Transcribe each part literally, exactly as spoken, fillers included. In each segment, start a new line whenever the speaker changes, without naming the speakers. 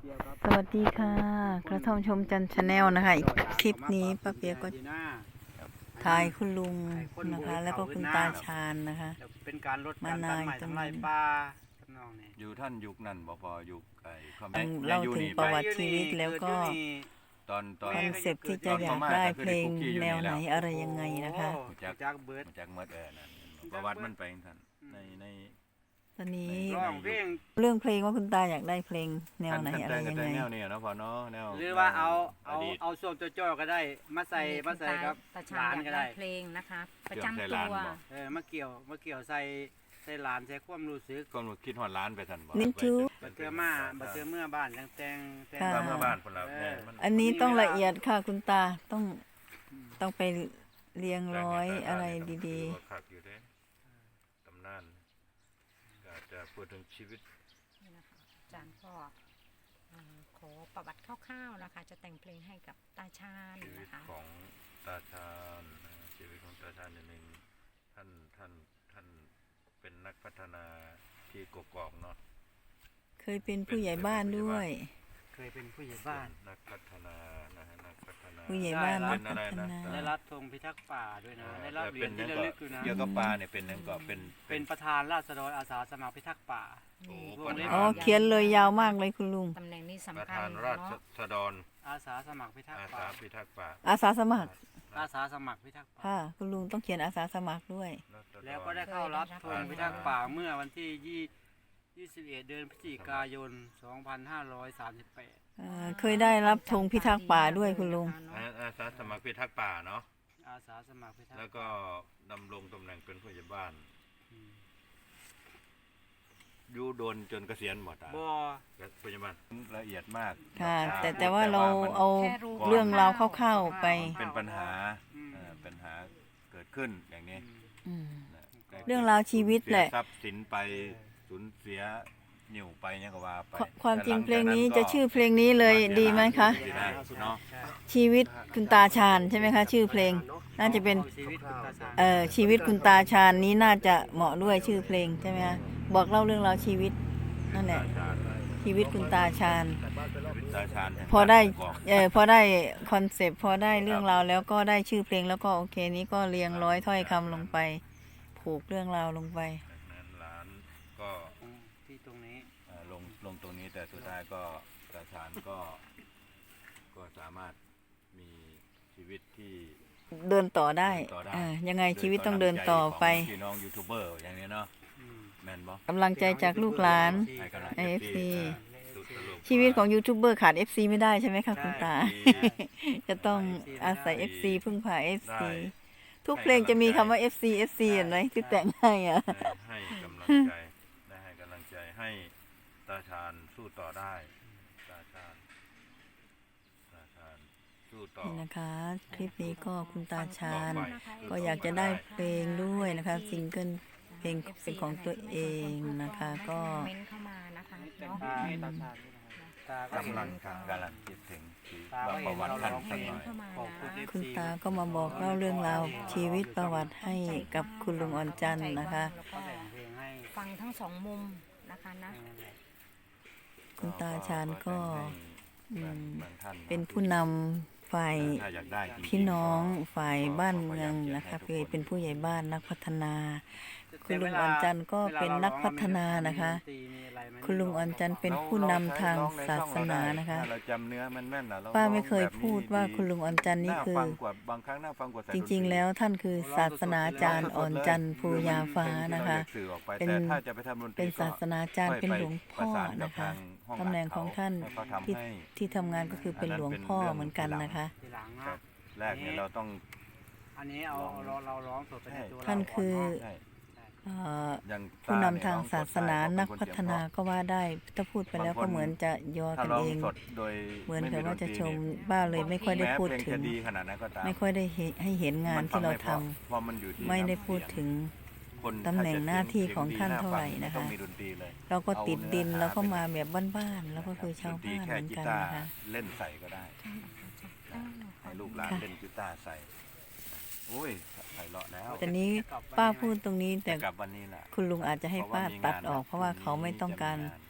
สวัสดีค่ะกระท่อมชมจันทร์ชาแนลนะคะอีกคลิปนี้ป้าเปียก็ถ่ายคุณลุงนะคะแล้วก็คุณตาชาญนะคะ
เป็นการลดการตัดไม้ทำลายป่าทำนองนี้
อยู่ท่านยุคนั้นบ่พอยุคไอ้ความ
เล่าถึงประวัติชีวิตแล้วก็
ตอนตอน
คอนเซปต์ที่จะอยากได้เพลงแนวไหนอะไรยังไงนะคะ
จาก
จากเบิร์ด
จากเมื่อเออนั่นประวัติมันไปท่านในใน
ตอนนี้
ร้องเพลง
เรื่องเพลงว่าคุณตาอยากได้เพลงแนวไหนอะไรยังไง
แนวนี้เนาะพอเนาะแนว
หรือว่าเอาเอาเอาส่วนจ่อๆก็ได้มาใส่มาใส่ครับ
ตา
ห
ชา
ลา
ญ
น
อยาก
ก็
ได้
ได้
เพลงนะคะ ประจำตัว
เออมาเกี่ยวมาเกี่ยวใส่ใส่หลานใส่ความรู้สึก
ก็คิดฮอดล้านไปท่านบ่
นิจู
บัดเทื่อมาบัดเทื่อเมื่อบ้านแต่งแต่งแต่ง
ค่ะ
เมื่อบ้านคนละแม่มัน
อันนี้ต้องละเอียดค่ะคุณตาต้องต้องไปเรียงร้อยอะไรดี
ๆคักอยู่เด้ตำนานก็จะพูดถึงชีวิต
นี่นะคะอาจารย์ก็เอ่อขอประวัติคร่าวๆนะคะ จะแต่งเพลงให้กับตาชาญ
ชีวิต
นะคะ
ของตาชาญนะชีวิตของตาชาญนิดนึงท่านท่านท่านเป็นนักพัฒนาที่กกอกเนาะ
ๆ เคยเป็นผู้ใหญ่บ้านด้วย
เคยเป็นผู้ใหญ่บ้าน
นักพัฒนานะฮะนักพัฒนา
ผู้ใหญ่บ้านนัก
เป็นอะไร
พัฒ
นะ
นา
ได้รับธงพิทักษ์ป่าด้วยนะได้รับเหรียญที่ระลึกอยู่นะ
เกี่ยวกับปลาเนี่ยเป็นนั่นก็เป็น
เป็นประธานราษฎรอาสาสมัครพิทักษ์ป่า
โอ้
วงเล็บ
อ๋อเขียนเลยยาวมากเลยคุณลุง
ตำแหน่งนี้
ประ
สำคั
ธา
ญ
นรา
เนาะ
ษฎร
อาสาสมัครพิทัก
อา
ษ์
สา
ป่า
พิทักษ์ป่า
อาสาสมัคร
อาสาสมัครพิทักษ์ป่า
ค่ะคุณลุงต้องเขียนอาสาสมัครด้วย
ราษฎร
แล้วก็ได้เข้ารับธงพิทักษ์ป่าเมื่อวันที่ยี่สิบเอ็ดเดือนพฤศจิกายน สองพันห้าร้อยสามสิบแปด
เอ่อเคยได้รับธงพิทักษ์ป่าด้วยคุณลุง
อาอาสาสมัครพิทักษ์ป่าเนาะ
อาสาสมัครพิทักษ์
แล้วก็ดำรงตำแหน่งเป็นผู้ใหญ่บ้าน
อืม
อยู่โดนจนเกษียณหมดอ่ะ
บ่
ผู้ใหญ่บ้านละเอียดมาก
ค่ะ
อ่
แต่แต่ว่าเราเอา
แค่รู้
เรื่องราวคร่าวๆไป
เป็นปัญหา
อืม
เอ่อปัญหาเกิดขึ้นอย่างนี้
อืม
นะ
เรื่องราวชีวิตแหละ
เสียทรัพย์สินไปสูญเสียนิ่วไปเนี่ยก็ว่าไป
ควความจริงเพลงนี้
แต่ห
จะ
จาก
ชื่อเพลงนี้เลยดีไหมคะ
เนาะ
ชีวิตคุณตาชาญใช่ไหมคะ ชื่อเพลง น่าจะเป็น
ชีวิตคุณตาชาญ
เอ่อชีวิตคุณตาชาญนี้น่าจะเหมาะด้วยชื่อเพลงใช่ไหมคะบอกเล่าเรื่องราวชีวิตนั่นแหละชีวิตคุณตาชาญ
ตาชาญ
พอได้เออพอได้คอนเซปต์พอได้เรื่องราวแล้วก็ได้ชื่อเพลงแล้วก็โอเคนี้ก็เรียงร้อยถ้อยคำลงไป ผูกเรื่องราวลงไป
นั้นร้านก็
ที่ตรงนี้
เอ่อลงลงตรงนี้แต่สุดท้ายก็ตาชาญก็ก็สามารถมีชีวิตที่
เดินต่อได้
เดินต่อได้
อ่ายังไงชีวิตต้องเดินต่อไป
ของพี่น้องยูทูบเบอร์อย่างนี้เนาะ
อืม
แม่นบ่
กำลังใจจากลูกหลาน
ให้กำลัง
เอฟซี
สุดตลก
ชีวิตของยูทูบเบอร์ขาด เอฟ ซี ไม่ได้ใช่ไหมคะคุณตา จะต้องอาศัย เอฟ ซี พึ่งพา เอฟ ซี ทุกเพลงจะมีคำว่า เอฟ ซี เอฟ ซี เห็นไหมที่แต่งให้อ่ะ
ให้ให้กำลังใจได้ให้กำลังใจให้ตาชาญสู้ต่อได้ตาชาญตาชาญสู้ต่อ
นี่นะคะ คลิปนี้ก็คุณตาชาญ
ต่อไป
ก็อยากจะได้เพลงด้วยนะคะซิงเกิลเพลงเป็นของตัวเองนะคะ ก็
คอมเมนต์เข้ามานะคะเนาะ
ตาให้ตาชาญด้วยนะครับตาก็เห็น
กำลังกำลังคิดถึงชีวิต
ตาก็
ว่า
เห็
ประ
น
วัติ
เรา
ท่าน
ร้องเพ
สั
ล
ก
ง
หน่อย
เข้ามา
ขอบคุณ
นะ
คุณตาก็มาบอกเล่าเรื่องราวชีวิตประวัติให้กับคุณลุงอ่อนจันทร์นะคะ
แล้วก็
แต่งเพลงให้
ฟังทั้งสองมุมนะคะนะ
นั่นแหละ
คุณตาชาญก็อืม
บางท่าน
เป็นผู้นำฝ่าย
ถ้าอยากได้จริงๆ
พี่น้องฝ่ายบ้านเมืองนะคะเคยเป็นผู้ใหญ่บ้านนักพัฒนา คุณลุงอ่อนจันทร์ก็เป็นนักพัฒนานะคะ คุณลุงอ่อนจันทร์เป็นผู้นำทางศาสนานะคะ
เราจำเนื้อแม่นๆนะเร
ป้าไม่เคย
ร้องแบบนี้
พูดว่าคุณลุงอ่อนจันทร์นี่
น่า
คือ
ฟังกว่าบางครั้งน่าฟังกว่าใส่
จริงๆ แล้วท่านคือศาสนาจารย์อ่อนจันทร์ภูยาฟ้านะคะ
สื่อออกไป
เป็น
แต่ถ้าจะไปทำดนตรี
เป็น
ก็
ศาสนาจารย์เป็นหลวงพ่อ
ประสานกับ
นะคะ
ทางห้อง
ตำแหน่งของท่าน
ให้เขาทำ
ที่
ให้
ที่ทำงานก็คือเป็นหลวงพ่อเหมือนกันนะคะ
ทีหลัง
ครั
นะ
บแรกเนี่ยเราต้อง
อันนี้เอาเราเราร้องสดไปในตัวเรา
ท่านคือ
ใช่
เอ่อ
อย่าง
ผู้นำทางศาสนานักพัฒนาก็ว่าได้ถ้าพูดไปแล้วก็เหมือนจะยอ
ถ้า
กัน
ร้อง
เอง
สดโดย
เหมือนกับ
ไ
ว่าจะชม
ดนตรีเนี่ย
บ้าเลยไม่ค่อยได้พูด
แม้เพล
ถึง
จะดีขนาดนั้นก็ตาม
ไม่ค่อยได้เห็นให้เห็นงานที่เราทำ
พอมันอยู่ที่
ไม่ได้พูดถึง
คน
ตำแหน่งหน้าที่ของท่าน
สีย
เท่าไหร่นะคะ
ต้องมีดนตรีเลย
เราก็ติดดินแล้วก็มาแบบบ้านๆแล้วก็คือชาว
ดนตรี
บ้าน
แค่
เหมือน
กี
กัน
ตาร์
นะคะ
เล่นใส่ก็ได้ให้ลูกหลานเล่นกีตาร์ใส่โอ้ยใส่เลาะแล้ว
แต่นี้ป้าพูดตรงนี้แต่
กลับวันนี้แหละ
คุณลุงอาจจะให้ป้าตัดออกเพราะว่าเขาไม่ต้องการท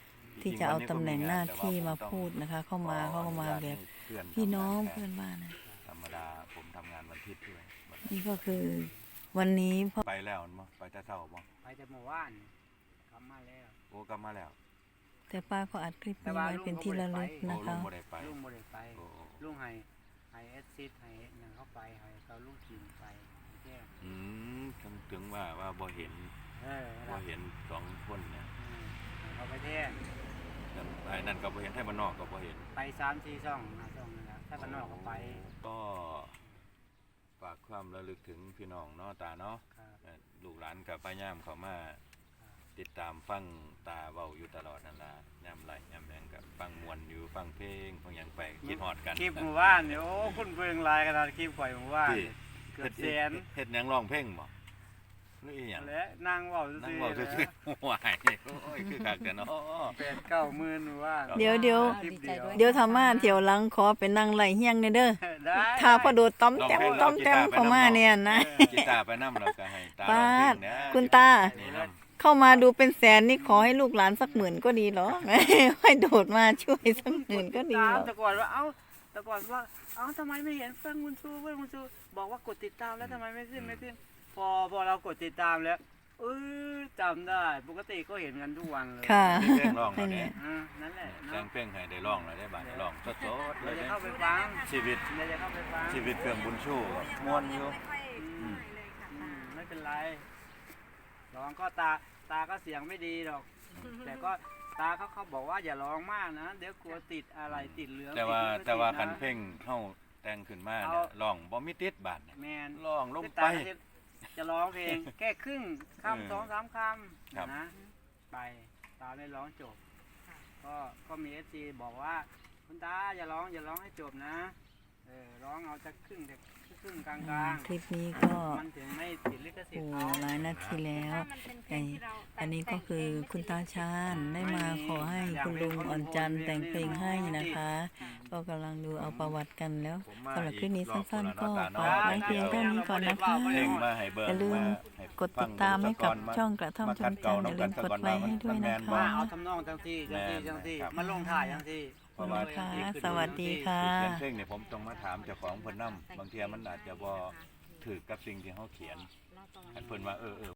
ที่จะเอาตำแหน่งหน้าที่มาพูดนะคะ เข้ามาเข้ามาแบบพี่น้องเพื่อนบ้านนะ
ธรรมดาผมทำงานวันอาทิตย์ด้วย
นี่ก็คือวันนี้พ่อ
ไปแล้วมั้งไปแต่เช้ามั้ง
ไปแต่เมื่อวานกลับมาแล้ว
โอ้กลับมาแล้ว
แต่ป้าก็อัดคลิปนี้ไว้เป็นที่ระลึก
โอ้
นะ
ลุ
คะ
งบ่ได้ไป
ลุงบ่ได้ไป
โอ้
ลุงให้ให้เอสซิดให้หยังเข้าไปให้เขาลุงกินไปแค่
อืมถึงถึงว่าว่าบ่เห็น
เออ
บ่เห็นสองคนเนี่ย
อืมให้เขาไปแท้
แต่ไอ้นั่นก็บ่เห็นไทยบ้านนอกก็บ่เห็น
ไปสามสี่ช่องห้าช่องนั่นแหละถ้าบ้านนอกก็ไป
ก็ฝากความระลึกถึงพี่น้องเนาะตาเนาะ
ครับ
เอ่อลูกหลานกับป้าย่ามเขามาติดตามฟังตาเว้าอยู่ตลอดนั่นล่ะย่ำไรย่ำแรงกับฟังมวนอยู่ฟังเพลงฟังหยังไปคิดฮอดกัน
คลิปหมู่บ้านเนี่ยโอ้คุณเบิ่งหลายขนาดคลิปข่อยหมู่บ้าน
ที่
เกือบแสน
เฮ็ดหยังร้องเพลงบ่หรืออีหยัง
และนั่งเว้าซื่อๆ
นั่งเว้าซื่อๆหวายโอ้ยคือคักแต่เนาะ
แปดเก้าหมื่นหมู่บ้าน
เดี๋ยวเดี๋ยว
คลิปเดียว
เดี๋ยวทำมาเที่ยวหลังขอไปนั่งไหลเฮียงในเด้อ
ได้
ถ้าพอโดดต้อมแต้มต้อมแต้มเข้ามาเนี่ยนะ
กีตาร์ไปนำแล้วก็ให้ตา
ป้า
ร้องเพลงนะ
คุณตา
นี่นำ
เข้ามาดูเป็นแสนนี่ขอให้ลูกหลานสักหมื่นก็ดีเหรอ ให้โดดมาช่วยสักหมื่นก็ดี
ตา
เห
ม
รอ
แต่ก่อนว่าเอ้าแต่ก่อนว่าเอ้าทำไมไม่เห็นเฟิงบุญชูเฟิงบุญชูบอกว่ากดติดตามแล้วทำไมไม่ขึ้นไม่ขึ้นพอพอเรากดติดตามแล้วเออจำได้ปกติก็เห็นกันทุกวันเลย
ค่ะ
มีเพลงร้องแล้วเนี่ย
อ่านั่นแหละ
แต่
เนาะ
งเพลงให้ได้ร้องแล้วได้บาดได้ร้องสดๆเล
เดี๋ย
ยว
จะ
เนี่ย
เข้าไปฟัง
ชีวิต
เดี๋ยวจะเข้าไปฟัง
ชีวิตเครื่องบุญชูม่วนอยู่
อืมอืมไม่เป็นไรร้องก็ตาตาก็เสียงไม่ดีหรอก แต่ก็ตาเขาเขาบอกว่าอย่าร้องมากนะ เดี๋ยวกลัวติดอะไรติดเหลือง
แต่ว่า
ติด
แต่ว่า
ติดะ
คันเพลงเฮาแต่งขึ้นมาเนี่ยร้องบ่มีติดบาดเนี่ย
แมน
ร้องลง
คือ
ไป
ตาจะจะร้องเพลง แค่ครึ่ง
เออ
คำสองสามค
ครับ
ำนะไปตาไม่ร้องจบ ก็ก็มีเอฟซีบอกว่าคุณตาอย่าร้องอย่าร้องให้จบนะเออร้องเอาจะครึ่งจะครึ่งกลางกลาง
คลิปนี้ก็
มันถึงไม่ติดลิขสิท
โอ้
ธิ์เขา
หลายนาทีแล้วไอ้อันนี้ก็คือคุณตาชาญได้มาขอให้คุณลุงอ่อนจันทร์แต่งเพลงให้นะคะ ก็กำลังดูเอาประวัติกันแล้ว
ผมมา
สำหรับคลิปนี้
อีรอบ
สั้นๆ ก็
คนละ
ฝาก
ห
ไว้
น้
เพียงเท่านี้ก่อนนะคะ
เพลงมาให้เบิ่ง
อย่าลืม
ให้
กดติดตามให้กับ
ฟัง
ช่องกระท่อมชมจันทร์อย่าลืมกดไลค์ให้ด้วยนะ
ว่า
คะ
เอาทำนองจังที่จังที่จังที่
ครับ
มาลงถ่ายจังที่
เพราะว่า
ค่ะสวัสดีค่ะ
เขียนเพลงเนี่ยผมต้องมาถามเจ้าของเพิ่นนํบางเทีมันอาจจะบ่ถูกกับสิ่งที่เฮาเขียนให้เพิ่นว่าเออเออ